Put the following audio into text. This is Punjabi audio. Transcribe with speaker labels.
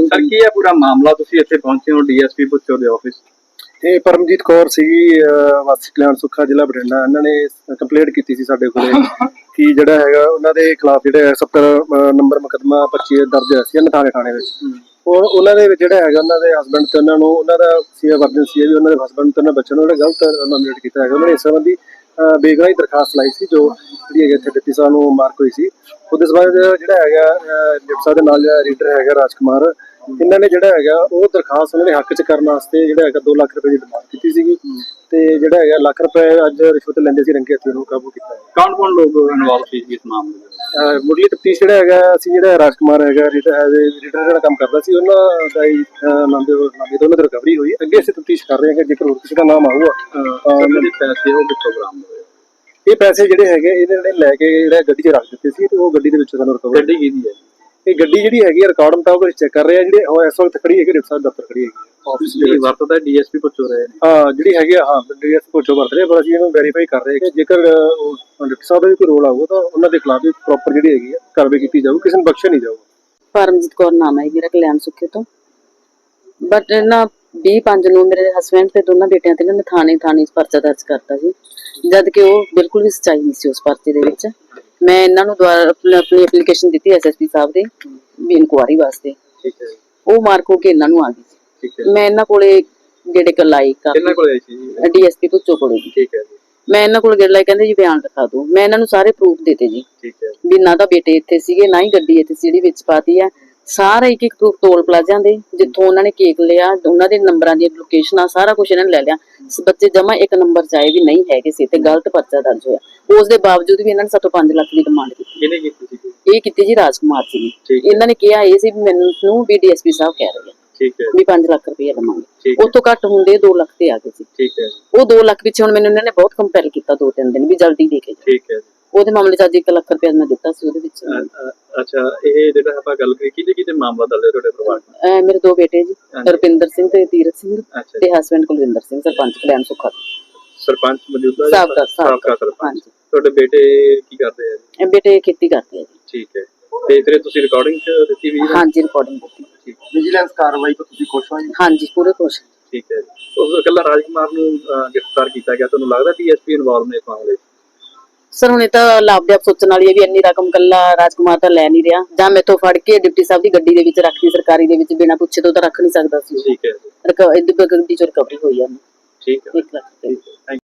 Speaker 1: ਸਰ ਕੀ ਹੈ ਪੂਰਾ ਮਾਮਲਾ, ਤੁਸੀਂ ਇੱਥੇ ਪਹੁੰਚੇ ਹੋ ਡੀਐਸਪੀ ਭੁੱਚੋ ਦੇ ਆਫਿਸ?
Speaker 2: ਇਹ ਪਰਮਜੀਤ ਕੌਰ ਸੀਗੀ, ਵਾਸੀ ਕਲਿਆਣ ਸੁੱਖਾ, ਜ਼ਿਲ੍ਹਾ ਬਠਿੰਡਾ। ਇਹਨਾਂ ਨੇ ਕੰਪਲੇਂਟ ਕੀਤੀ ਸੀ ਸਾਡੇ ਕੋਲੇ ਕਿ ਜਿਹੜਾ ਹੈਗਾ ਉਹਨਾਂ ਦੇ ਖਿਲਾਫ ਜਿਹੜਾ 70 ਨੰਬਰ ਮੁਕੱਦਮਾ 25 ਦਰਜ ਹੋਇਆ ਸੀ ਨਥਾਣੇ ਥਾਣੇ ਵਿੱਚ। ਉਹਨਾਂ ਦੇ ਵਿੱਚ ਜਿਹੜਾ ਹੈਗਾ ਉਹਨਾਂ ਦੇ ਹਸਬੈਂਡ ਤੇ ਉਹਨਾਂ ਨੂੰ ਉਹਨਾਂ ਦਾ ਸੀ ਐਮਰਜੈਂਸੀ ਹੈ ਵੀ ਉਹਨਾਂ ਦੇ ਹਸਬੈਂਡ ਤੇ ਉਹਨਾਂ ਬੱਚਿਆਂ ਨੂੰ ਜਿਹੜਾ ਗਲਤ ਨੋਮੀਨੇਟ ਕੀਤਾ ਹੈਗਾ। ਉਹਨਾਂ ਨੇ ਇਸ ਸੰਬੰਧੀ ਬੇਗੁਨਾਹੀ ਦਰਖਾਸਤ ਲਾਈ ਸੀ ਜੋ ਜਿਹੜੀ ਹੈਗੀ ਇੱਥੇ ਡਿਪਟੀ ਸਾਹਿਬ ਨੂੰ ਮਾਰਕ ਹੋਈ ਸੀ। ਉਹਦੇ ਸੰਬੰਧ ਜਿਹੜਾ ਹੈਗਾ ਡਿਪਟੀ ਸਾਹਿਬ ਦੇ ਨਾਲ ਜਿਹੜਾ ਰੀਡਰ ਹੈਗਾ ਰਾਜਕੁਮਾਰ, ਇਹਨਾਂ ਨੇ ਜਿਹੜਾ ਹੈਗਾ ਉਹ ਦਰਖਾਸਤ ਉਹਨਾਂ ਦੇ ਹੱਕ 'ਚ ਕਰਨ ਵਾਸਤੇ ਜਿਹੜਾ ਹੈਗਾ 2 ਲੱਖ ਰੁਪਏ ਦੀ ਡਿਮਾਂਡ ਕੀਤੀ ਸੀਗੀ ਤੇ ਜਿਹੜਾ ਹੈਗਾ ਲੱਖ ਰੁਪਏ ਅੱਜ ਰਿਸ਼ਵਤ ਲੈਂਦੇ ਸੀ ਰੰਗੇ ਹੱਥੀਂ ਉਹਨੂੰ ਕਾਬੂ ਕੀਤਾ।
Speaker 1: ਕੌਣ ਲੋਕ ਇਨਵੋਲਵ ਸੀ ਇਸ ਮਾਮਲੇ ਵਿੱਚ?
Speaker 2: ਮੁੱਢਲੀ ਤਫਤੀਸ਼ ਜਿਹੜਾ ਹੈਗਾ ਅਸੀਂ ਜਿਹੜਾ ਰਾਜਕੁਮਾਰ ਹੈਗਾ ਰੀਡਰ ਜਿਹੜਾ ਕੰਮ ਕਰਦਾ ਸੀ ਉਹਨਾਂ ਦਾ ਹੀ ਨਾਮ ਦੇ ਉਹਨਾਂ ਦੀ ਰਿਕਵਰੀ ਹੋਈ। ਅੱਗੇ ਅਸੀਂ ਤਫਤੀਸ਼ ਕਰ ਰਹੇ ਹਾਂ ਕਿ ਜੇਕਰ ਹੋਰ ਕਿਸੇ ਦਾ ਨਾਮ ਆਊਗਾ
Speaker 1: ਉਹਨਾਂ ਦੇ ਪੈਸੇ ਉਹ ਕਿੱਥੋਂ ਬਰਾਮਦ ਹੋਏ?
Speaker 2: ਇਹ ਪੈਸੇ ਜਿਹੜੇ ਹੈਗੇ ਇਹਦੇ ਜਿਹੜੇ ਲੈ ਕੇ ਜਿਹੜਾ ਗੱਡੀ 'ਚ ਰੱਖ ਦਿੱਤੇ ਸੀ ਤੇ ਉਹ ਗੱਡੀ ਦੇ ਵਿੱਚ ਸਾਨੂੰ ਰਿਕਵਰ।
Speaker 1: ਗੱਡੀ ਕਿਹਦੀ ਹੈ?
Speaker 2: ਇਹ ਗੱਡੀ ਜਿਹੜੀ ਹੈਗੀ ਰਿਕਾਰਡ ਮੁਤਾਬਕ ਚੈੱਕ ਕਰ ਰਹੇ ਆ। ਜਿਹੜੇ ਉਹ ਇਸ ਵਕਤ ਖੜੀ ਹੈਗੀ ਡਿਪਟੀ ਸਾਹਿਬ ਦਫ਼ਤਰ ਖੜੀ ਹੈਗੀ ਆਫਿਸ
Speaker 1: ਜਿਹੜੀ ਵਰਤਦਾ ਡੀਐਸਪੀ ਭੁੱਚੋ ਰਹੇ ਨੇ।
Speaker 2: ਹਾਂ ਜਿਹੜੀ ਹੈਗੀ ਡੀਐਸਪੀ ਭੁੱਚੋ ਵਰਤ ਰਹੇ, ਪਰ ਅਸੀਂ ਇਹਨੂੰ ਵੈਰੀਫਾਈ ਕਰ ਰਹੇ ਕਿ ਜੇਕਰ ਡਿਪਟੀ ਸਾਹਿਬ ਦਾ ਵੀ ਕੋਈ ਰੋਲ ਆਊਗਾ ਤਾਂ ਉਹਨਾਂ ਦੇ ਖਿਲਾਫ ਵੀ ਪ੍ਰੋਪਰ ਜਿਹੜੀ ਹੈਗੀ ਕਾਰਵਾਈ ਕੀਤੀ ਜਾਊਗੀ, ਕਿਸੇ ਨੂੰ ਬਖਸ਼ਿਆ ਨਹੀਂ ਜਾਊਗਾ।
Speaker 3: ਪਰਮਜੀਤ ਕੌਰ ਨਾਮ ਹੈ ਮੇਰਾ, ਕਲਿਆਣ ਸੁੱਖੇ ਤੋਂ। ਬਟ ਨਾ 20/5 ਨੂੰ ਮੇਰੇ ਹਸਬੈਂਡ ਤੇ ਦੋਨਾਂ ਬੇਟਿਆਂ ਤੇ ਨਾ ਥਾਣੇ 'ਚ ਪਰਚਾ ਦਰਜ ਕਰਤਾ ਸੀ, ਜਦ ਕਿ ਉਹ ਬਿਲਕੁਲ ਵੀ ਸੱਚਾਈ ਨਹੀਂ ਸੀ ਉਸ ਪਰਚੇ ਦੇ ਵਿੱਚ। ਮੈਂ ਇਹਨਾਂ ਨੂੰ ਦੁਆਰਾ ਆਪਣੀ ਐਪਲੀਕੇਸ਼ਨ ਦਿੱਤੀ ਐਸਐਸਪੀ ਸਾਹਿਬ ਦੇ ਵੀ ਇਨਕੁਆਰੀ ਵਾਸਤੇ।
Speaker 1: ਠੀਕ ਹੈ।
Speaker 3: ਉਹ ਮਾਰਕ ਹੋ ਕੇ ਇਹਨਾਂ ਨੂੰ ਆ ਗਈ ਸੀ।
Speaker 1: ਠੀਕ ਹੈ।
Speaker 3: ਮੈਂ ਇਹਨਾਂ ਕੋਲੇ ਗੇੜੇ ਲਾਈ
Speaker 1: ਕਿੰਨਾ ਕੋਲੇ ਆਈ ਸੀ ਜੀ?
Speaker 3: ਡੀਐਸਪੀ ਭੁੱਚੋ ਕੋਲੇ।
Speaker 1: ਠੀਕ ਹੈ ਜੀ।
Speaker 3: ਮੈਂ ਇਹਨਾਂ ਕੋਲ ਗੇੜ ਲਾਈ, ਕਹਿੰਦੇ ਜੀ ਬਿਆਨ ਲਿਖਾ ਦਿਓ। ਮੈਂ ਇਹਨਾਂ ਨੂੰ ਸਾਰੇ ਪ੍ਰੂਫ ਦਿੱਤੇ ਜੀ।
Speaker 1: ਠੀਕ ਹੈ।
Speaker 3: ਵੀ ਨਾ ਤਾਂ ਬੇਟੇ ਇੱਥੇ ਸੀਗੇ, ਨਾ ਹੀ ਗੱਡੀ ਇੱਥੇ ਸੀ ਜਿਹੜੀ ਵਿੱਚ ਪਾਤੀ ਆ। ਸਾਰਾ ਇੱਕ ਪ੍ਰੂਫ ਟੋਲ ਪਲਾਜ਼ਿਆਂ ਦੇ ਜਿੱਥੋਂ ਉਹਨਾਂ ਨੇ ਕੇਕ ਲਿਆ, ਉਹਨਾਂ ਦੇ ਨੰਬਰਾਂ ਦੀਆਂ ਲੋਕੇਸ਼ਨਾਂ, ਸਾਰਾ ਕੁਝ ਇਹਨਾਂ ਨੇ ਲੈ ਲਿਆ। ਬੱਚੇ ਜਮਾ 1 ਨੰਬਰ ਚਾਹੇ ਵੀ ਨਹੀਂ ਹੈਗੇ ਸੀ ਤੇ ਗਲਤ ਪਰਚਾ ਦਰਜ ਹੋਇਆ। ਉਸ ਦੇ ਬਾਵਜੂਦ ਵੀ ਇਹਨਾਂ ਨੇ ਸਾਤੋਂ 5 ਲੱਖ ਦੀ ਡਿਮਾਂਡ ਕੀਤੀ।
Speaker 1: ਕਿਹਨੇ ਕੀਤੀ ਸੀ?
Speaker 3: ਇਹ ਕੀਤੀ ਜੀ ਰਾਜਕੁਮਾਰ ਸੀ। ਇਹਨਾਂ ਨੇ ਕਿਹਾ ਇਹ ਸੀ ਵੀ ਮੈਨੂੰ ਵੀ ਡੀਐਸਪੀ ਸਾਹਿਬ ਕਹਿ ਰਹੇ ਆ
Speaker 1: ਠੀਕ ਹੈ
Speaker 3: ਵੀ 5 ਲੱਖ ਰੁਪਏ ਲਵਾਂਗੇ।
Speaker 1: ਹੈ।
Speaker 3: ਉਹ ਤੋਂ ਘੱਟ ਹੁੰਦੇ 2 ਲੱਖ ਤੇ ਆ ਗਏ ਸੀ।
Speaker 1: ਠੀਕ ਹੈ।
Speaker 3: ਉਹ 2 ਲੱਖ ਪਿੱਛੇ ਹੁਣ ਮੈਨੂੰ ਇਹਨਾਂ ਨੇ ਬਹੁਤ ਕੰਪੈਲ ਕੀਤਾ 2-3 ਦਿਨ ਵੀ ਜਲਦੀ ਦੇ ਕੇ।
Speaker 1: ਠੀਕ ਹੈ।
Speaker 3: ਉਹਦੇ ਮਾਮਲੇ 'ਚ ਅੱਜ 1 ਲੱਖ ਰੁਪਏ ਮੈਂ ਦਿੱਤਾ ਸੀ ਉਹਦੇ ਵਿੱਚ।
Speaker 1: ਅੱਛਾ, ਇਹ ਜਿਹੜਾ ਆਪਾਂ ਗੱਲ ਕਰੀ ਕਿਹਦੇ ਮਾਮਲਾ ਦਰਜ ਹੈ ਤੁਹਾਡੇ ਪਰਿਵਾਰ ਦਾ?
Speaker 3: ਮੇਰੇ 2 ਬੇਟੇ ਜੀ, ਰੁਪਿੰਦਰ ਸਿੰਘ ਤੇ ਤੀਰਥ ਸਿੰਘ ਤੇ ਹਸਬੈਂਡ ਕੁਲਵਿੰਦਰ ਸਿੰਘ, ਸਰਪੰਚ ਕਲਿਆਣ ਸੁੱਖਾ।
Speaker 1: ਸਰਪੰਚ ਮੌਜੂਦਾ
Speaker 3: ਸਾਬਕਾ
Speaker 1: ਸਰਪੰਚ। ਤੁਹਾਡੇ ਬੇਟੇ ਕੀ ਕਰਦੇ ਆ ਜੀ?
Speaker 3: ਬੇਟੇ ਖੇਤੀ ਕਰਦੇ ਆ ਜੀ।
Speaker 1: ਠੀਕ ਹੈ। ਤੇ ਫਿਰ ਤੁਸੀਂ ਰਿਕਾਰਡਿੰਗ ਦਿੱਤੀ ਵੀ?
Speaker 3: ਹਾਂਜੀ, ਰਿਕਾਰਡਿੰਗ ਦਿੱਤੀ।
Speaker 1: ਠੀਕ।
Speaker 2: ਵਿਜੀਲੈਂਸ ਕਾਰਵਾਈ ਤੋਂ ਤੁਸੀਂ ਖੁਸ਼ ਹੋ ਜੀ?
Speaker 3: ਹਾਂਜੀ, ਪੂਰੇ ਖੁਸ਼।
Speaker 1: ਠੀਕ ਹੈ ਜੀ। ਉਸ ਇਕੱਲਾ ਰਾਜਕੁਮਾਰ ਨੂੰ ਗ੍ਰਿਫਤਾਰ ਕੀਤਾ ਗਿਆ, ਤੁਹਾਨੂੰ ਲੱਗਦਾ ਡੀਐਸਪੀ ਇਨਵੋਲਵ ਨੇ ਇਸ ਮਾਮਲੇ?
Speaker 3: ਸਰ ਹੁਣ ਇਹ ਤਾਂ ਲਾਭਦਾਇਕ ਸੋਚਣ ਵਾਲੀ ਹੈ ਵੀ ਇੰਨੀ ਰਕਮ ਕੱਲਾ ਰਾਜਕੁਮਾਰ ਤਾਂ ਲੈ ਨਹੀਂ ਰਿਹਾ, ਜਾਂ ਮੈਥੋਂ ਫੜ ਕੇ ਡਿਪਟੀ ਸਾਹਿਬ ਦੀ ਗੱਡੀ ਦੇ ਵਿੱਚ ਰੱਖਦੀ, ਸਰਕਾਰੀ ਦੇ ਵਿੱਚ ਬਿਨਾਂ ਪੁੱਛੇ ਤੋਂ ਤਾਂ ਰੱਖ ਨਹੀਂ ਸਕਦਾ ਸੀ।
Speaker 1: ਠੀਕ ਹੈ।
Speaker 3: ਗੱਡੀ 'ਚ ਰਿਕਵਰੀ ਹੋਈ ਆ।
Speaker 1: ਠੀਕ ਹੈ।
Speaker 3: 1 ਲੱਖ।